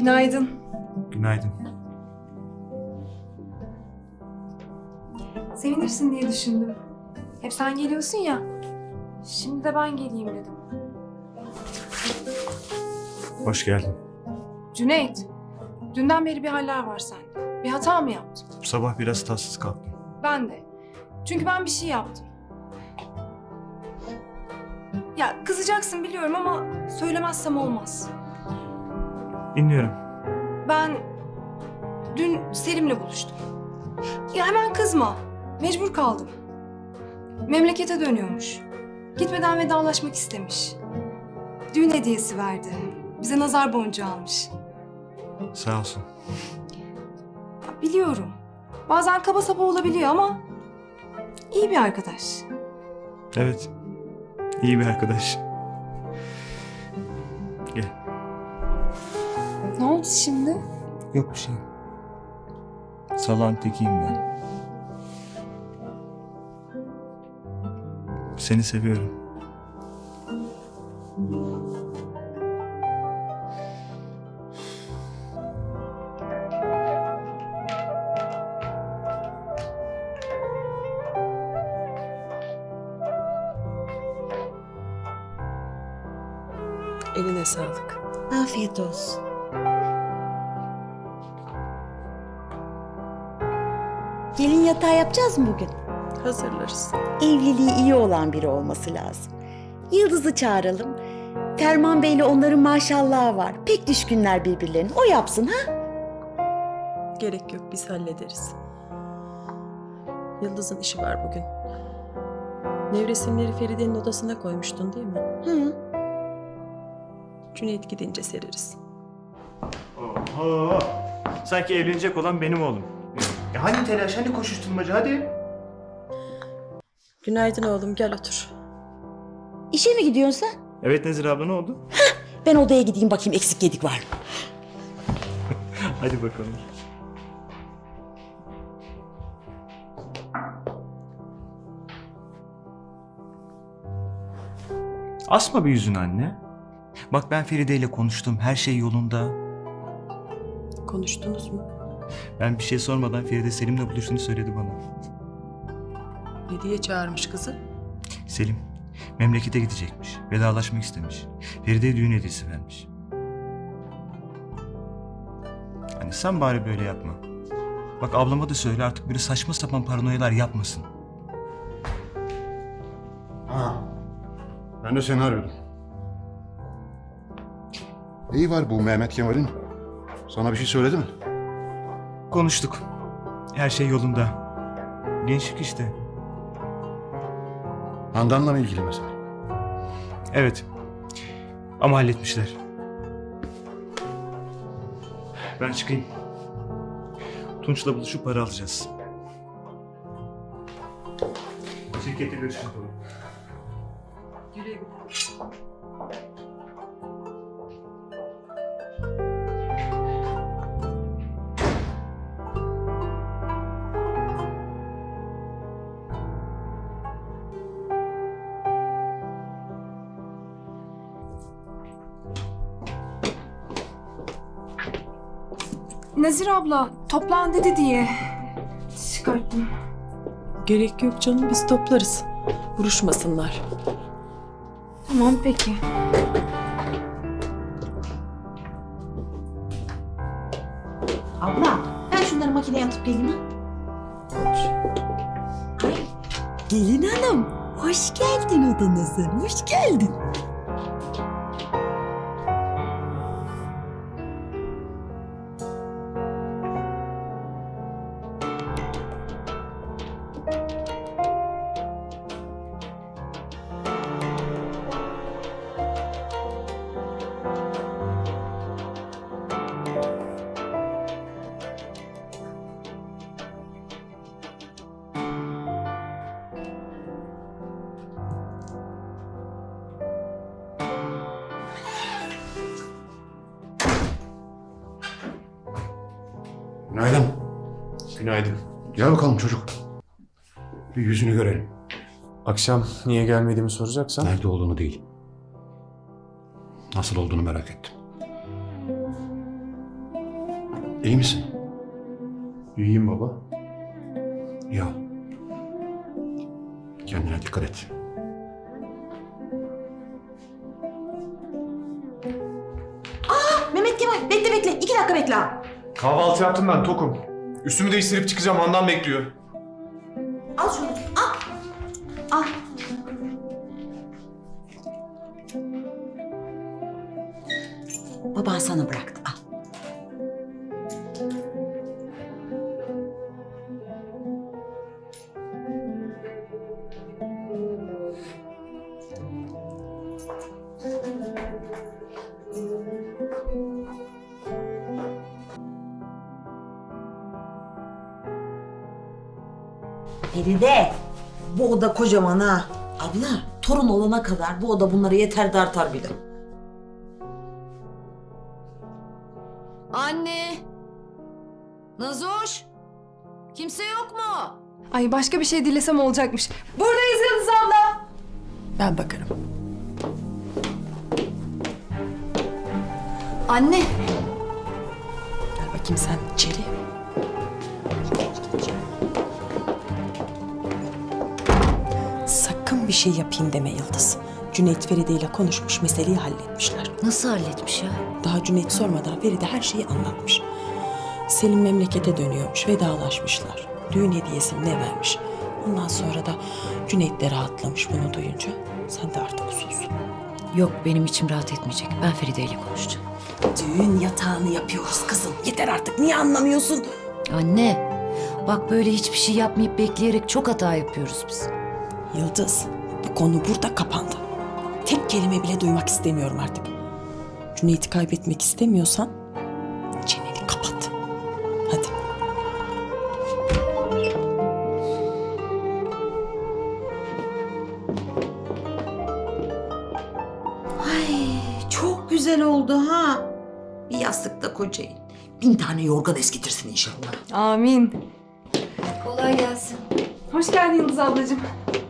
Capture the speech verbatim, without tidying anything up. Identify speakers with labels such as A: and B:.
A: Günaydın.
B: Günaydın.
A: Sevinirsin diye düşündüm. Hep sen geliyorsun ya. Şimdi de ben geleyim dedim.
B: Hoş geldin.
A: Cüneyt, dünden beri bir haller var sende. Bir hata mı yaptın?
B: Bu sabah biraz tatsız kalktım.
A: Ben de. Çünkü ben bir şey yaptım. Ya kızacaksın biliyorum ama söylemezsem olmaz.
B: Dinliyorum.
A: Ben dün Selim'le buluştum. Ya hemen kızma. Mecbur kaldım. Memlekete dönüyormuş. Gitmeden vedalaşmak istemiş. Düğün hediyesi verdi. Bize nazar boncuğu almış.
B: Sağ olsun.
A: Ya biliyorum. Bazen kaba saba olabiliyor ama iyi bir arkadaş.
B: Evet. İyi bir arkadaş. Gel.
A: Ne oldu şimdi?
B: Yok bir şey. Salağın tekiyim ben. Seni seviyorum.
C: Eline sağlık.
D: Afiyet olsun. Gelin yatağı yapacağız mı bugün?
C: Hazırlarız.
D: Evliliği iyi olan biri olması lazım. Yıldız'ı çağıralım. Ferman Bey'le onların maşallahı var. Pek düşkünler birbirlerine. O yapsın ha?
C: Gerek yok, biz hallederiz. Yıldız'ın işi var bugün. Nevresimleri Feride'nin odasına koymuştun değil mi?
D: Hı.
C: Cüneyt gidince sereriz.
B: Oho. Sanki evlenecek olan benim oğlum. Ya hani telaş, hani koşuşturmaca, hadi.
C: Günaydın oğlum, gel otur.
D: İşe mi gidiyorsun sen?
B: Evet Nezir abla, ne oldu?
D: Ben odaya gideyim bakayım eksik yedik var mı?
B: Hadi bakalım. Asma bir yüzünü anne. Bak ben Feride ile konuştum. Her şey yolunda.
C: Konuştunuz mu?
B: Ben bir şey sormadan Feride Selim'le buluştuğunu söyledi bana.
C: Ne diye çağırmış kızı?
B: Selim memlekete gidecekmiş. Vedalaşmak istemiş. Feride'ye düğün hediyesi vermiş. Hani sen bari böyle yapma. Bak ablama da söyle artık böyle saçma sapan paranoyalar yapmasın.
E: Ha. Ben de seni arıyordum. Neyi var bu Mehmet Kemal'in? Sana bir şey söyledi mi?
B: Konuştuk. Her şey yolunda. Gençlik işte.
E: Handan'la mı ilgili mesela?
B: Evet. Ama halletmişler. Ben çıkayım. Tunç'la buluşup para alacağız. Şirkette görüşürüz.
C: Güle güle.
A: Nazir abla toplan dedi diye çıkarttım.
C: Gerek yok canım, biz toplarız. Vuruşmasınlar.
A: Tamam peki.
D: Abla ben şunları makineye atıp geleyim ha. Ay, gelin hanım hoş geldin odanıza. Hoş geldin.
E: Günaydın.
F: Günaydın.
E: Gel bakalım çocuk. Bir yüzünü görelim.
F: Akşam niye gelmediğimi soracaksan...
E: Nerede olduğunu değil. Nasıl olduğunu merak ettim. İyi misin?
F: İyiyim baba.
E: Ya. Kendine dikkat et.
D: Mehmet Kemal bekle bekle. İki dakika bekle.
F: Kahvaltı yaptım ben, tokum. Üstümü değiştirip çıkacağım, Handan bekliyor.
D: Al şunu. Al. Al. Baban sana bıraktı. Al.
G: Feride, bu oda kocaman ha. Abla, torun olana kadar bu oda bunlara yeter de artar bir de.
H: Anne! Nazoş! Kimse yok mu?
A: Ay başka bir şey dilesem olacakmış. Buradayız Yıldız abla.
C: Ben bakarım.
H: Anne!
C: Gel bakayım sen içeri. Sakın bir şey yapayım deme Yıldız. Cüneyt Feride ile konuşmuş, meseleyi halletmişler.
H: Nasıl halletmiş ya?
C: Daha Cüneyt sormadan Feride her şeyi anlatmış. Selim memlekete dönüyormuş, vedalaşmışlar. Düğün hediyesi ne vermiş. Ondan sonra da Cüneyt de rahatlamış bunu duyunca. Sen de artık sus.
H: Yok, benim içim rahat etmeyecek. Ben Feride ile konuşacağım.
C: Düğün yatağını yapıyoruz kızım. Yeter artık, niye anlamıyorsun?
H: Anne! Bak böyle hiçbir şey yapmayıp bekleyerek çok hata yapıyoruz biz.
C: Yıldız, bu konu burada kapandı. Tek kelime bile duymak istemiyorum artık. Cüneyt'i kaybetmek istemiyorsan çeneni kapat. Hadi.
G: Ay, çok güzel oldu ha. Bir yastıkta kocayın. Bin tane yorgan eskitirsin inşallah.
A: Amin.
H: Kolay gelsin.
A: Hoş geldin Yıldız ablacığım.